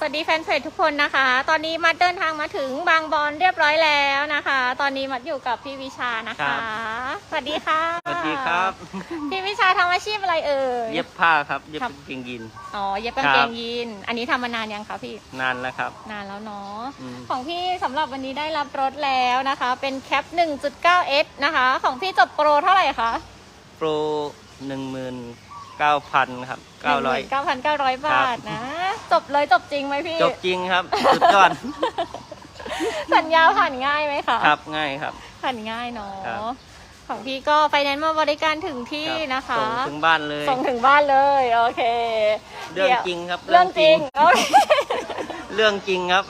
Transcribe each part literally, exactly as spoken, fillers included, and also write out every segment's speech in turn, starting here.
สวัสดีแฟนเพจทุกคนนะคะตอนนี้มัดเดินทางมาถึงบางบอนเรียบร้อยแล้วนะคะตอนนี้มัดอยู่กับพี่วิชานะคะสวัสดีค่ะสวัสดีครับพี่วิชาทำอาชีพอะไรเอ่ยเย็บผ้าครับเย็บกางเกงยีนอ๋อเย็บกางเกงยีนอันนี้ทำมานานยังคะพี่นานแล้วครับนานแล้วเนาะของพี่สำหรับวันนี้ได้รับรถแล้วนะคะเป็นแคป หนึ่งจุดเก้า เอส นะคะของพี่จบโปรเท่าไหร่คะโปรหนึ่งหมื่นเก้าพันครับเก้าร้อยเก้าพันเก้าร้อยบาทนะจบเลยจบจริงไหมพี่จบจริงครับสุดยอดสัญญาผ่านง่ายไหมคะครับง่ายครับผ่านง่ายเนาะของพี่ก็ไฟแนนซ์มาบริการถึงที่นะคะส่งถึงบ้านเลยส่งถึงบ้านเลยโอเคเรื่องจริงครับเรื่องจริงเรื่องจริงครับ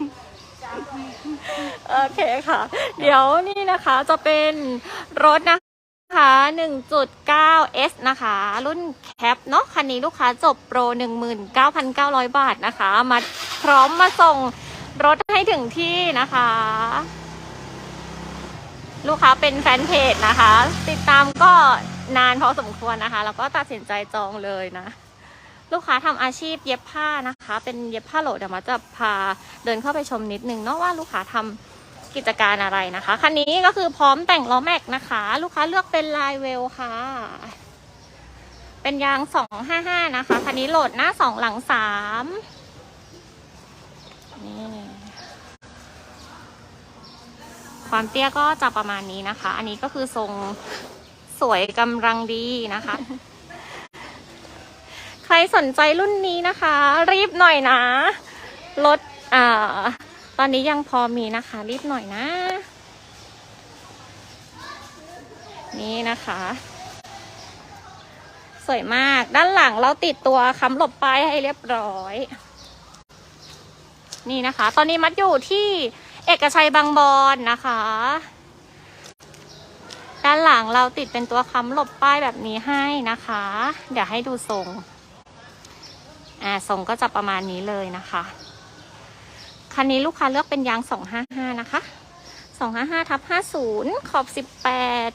โอเคค่ะเดี๋ยวนี่นะคะจะเป็นรถนะคะ หนึ่งจุดเก้า เอส นะคะรุ่นแคปเนาะคันนี้ลูกค้าจบโปร หนึ่งหมื่นเก้าพันเก้าร้อย บาทนะคะมาพร้อมมาส่งรถให้ถึงที่นะคะลูกค้าเป็นแฟนเพจนะคะติดตามก็นานพอสมควรนะคะแล้วก็ตัดสินใจจองเลยนะลูกค้าทำอาชีพเย็บผ้านะคะเป็นเย็บผ้าโหลดเดี๋ยวมาจะพาเดินเข้าไปชมนิดนึงเนาะว่าลูกค้าทำกิจการอะไรนะคะคันนี้ก็คือพร้อมแต่งล้อแม็กนะคะลูกค้าเลือกเป็นลายเวลค่ะเป็นยางสองห้าห้านะคะคันนี้โหลดหน้าสองหลังสามนี่ความเตี้ยก็จะประมาณนี้นะคะอันนี้ก็คือทรงสวยกำลังดีนะคะใครสนใจรุ่นนี้นะคะรีบหน่อยนะรถอ่าตอนนี้ยังพอมีนะคะรีบหน่อยนะนี่นะคะสวยมากด้านหลังเราติดตัวค้ำหลบป้ายให้เรียบร้อยนี่นะคะตอนนี้มัดอยู่ที่เอกชัยบางบอนนะคะด้านหลังเราติดเป็นตัวค้ำหลบป้ายแบบนี้ให้นะคะเดี๋ยวให้ดูทรงอ่าทรงก็จะประมาณนี้เลยนะคะคันนี้ลูกค้าเลือกเป็นยางสองห้าห้านะคะสองห้าห้าทับห้าสิบขอบสิบแปด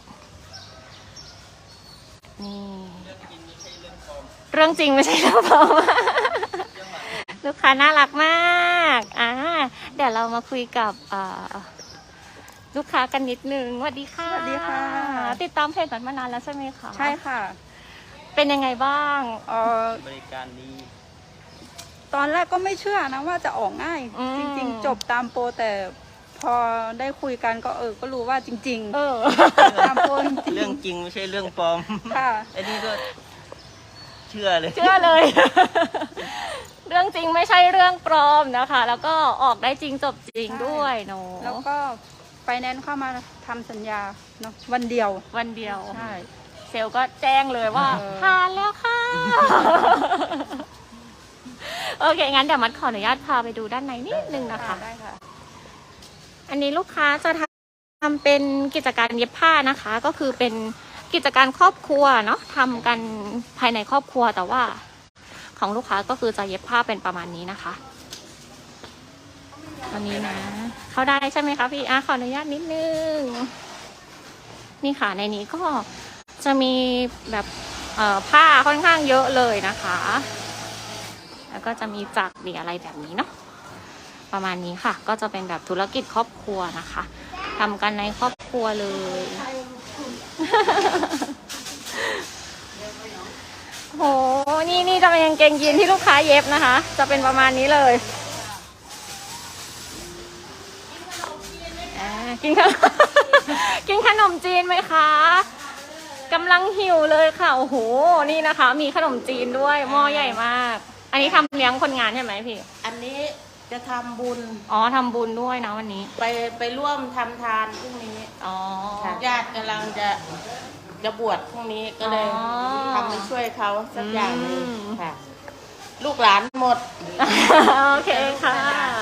นี่เรื่องจริงไม่ใช่เรื่องปลอมลูกค้าน่ารักมากอ่าเดี๋ยวเรามาคุยกับอ่าลูกค้ากันนิดนึงสวัสดีค่ะสวัสดีค่ะติดตามเพจมานานแล้วใช่ไหมคะใช่ค่ะเป็นยังไงบ้างเออบริการดีตอนแรกก็ไม่เชื่อนะว่าจะออกง่ายจริงๆจบตามโปรแต่พอได้คุยกันก็เออก็รู้ว่าจริงๆเออตามโปรเรื่องจริงไม่ใช่เรื่องปลอมค่ะไอ้นี่ก็เชื่อเลยเชื่อเลยเรื่องจริงไม่ใช่เรื่องปลอมนะคะแล้วก็ออกได้จริงจบจริงด้วยเนาะแล้วก็ไฟแนนซ์เข้ามาทำสัญญาเนาะวันเดียววันเดียวใช่เซลก็แจ้งเลยว่าผ่านแล้วค่ะโอเคงั้นเดี๋ยวมัดขออนุญาตพาไปดูด้านในนิดนึงนะคะได้ค่ะอันนี้ลูกค้าจะทำเป็นกิจการเย็บผ้านะคะก็คือเป็นกิจการครอบครัวเนาะทำกันภายในครอบครัวแต่ว่าของลูกค้าก็คือจะเย็บผ้าเป็นประมาณนี้นะคะอันนี้นะเข้าได้ใช่ไหมคะพี่อ่ะขออนุญาตนิดนึงนี่ค่ะในนี้ก็จะมีแบบเอ่อผ้าค่อนข้างเยอะเลยนะคะแล้วก็จะมีจักรมีอะไรแบบนี้เนาะประมาณนี้ค่ะก็จะเป็นแบบธุรกิจครอบครัวนะคะทำกันในครอบครัวเลยโหนี่นี่จะเป็นกางเกงยีนที่ลูกค้าเย็บนะคะจะเป็นประมาณนี้เลยกินขนมกินขนมจีนไหมคะกำลังหิวเลยค่ะโอ้โหนี่นะคะมีขนมจีนด้วยหม้อใหญ่มากอันนี้ทำเลี้ยงคนงานใช่ไหมพี่อันนี้จะทำบุญอ๋อทำบุญด้วยนะวันนี้ไปไปร่วมทำทานพรุ่งนี้อ๋อญาติกำลังจะจะบวชพรุ่งนี้ก็เลยทำไปช่วยเขาสักอย่างหนึ่งค่ะลูกหลานหมดโอเคค่ะ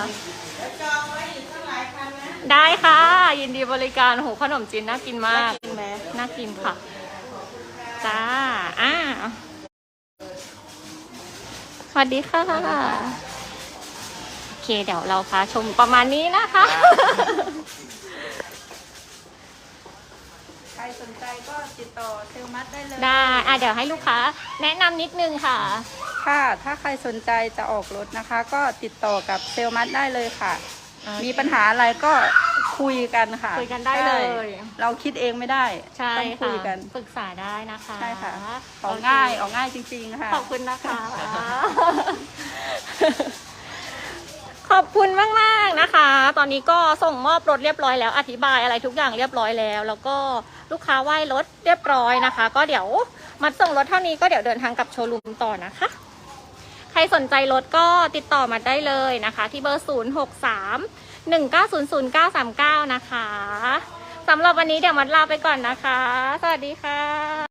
ได้ค่ะยินดีบริการหูขนมจีนน่ากินมากน่ากินค่ะจ้าอ่าสวัสดีค่ะโอเคเดี๋ยวเราพาชมประมาณนี้นะคะใครสนใจก็ติดต่อเซลมัดได้เลยได้อ่ะเดี๋ยวให้ลูกค้าแนะนำนิดนึงค่ะคค่ะ ถ้าใครสนใจจะออกรถนะคะ ก็ติดต่อกับเซลล์มัดได้เลยค่ะ มีปัญหาอะไรก็คุยกันค่ะคุยกันได้เลยใช่เราคิดเองไม่ได้ใช่ต้องคุค่ะยกันปรึกษาได้นะคะใช่ค่ะ ออกง่ายออกง่ายจริงๆค่ะขอบคุณนะคะ ขอบคุณมากๆนะคะ ตอนนี้ก็ส่งมอบรถเรียบร้อยแล้ว อธิบายอะไรทุกอย่างเรียบร้อยแล้ว แล้วก็ลูกค้าไหว้รถเรียบร้อยนะคะ ก็เดี๋ยวมัดส่งรถเท่านี้ก็เดี๋ยวเดินทางกลับโชว์รูมต่อนะคะ ใครสนใจรถก็ติดต่อมาได้เลยนะคะ ที่เบอร์ ศูนย์ หก สาม หนึ่ง เก้า ศูนย์ ศูนย์ เก้า สาม เก้า นะคะสำหรับวันนี้เดี๋ยวมัดลาไปก่อนนะคะ สวัสดีค่ะ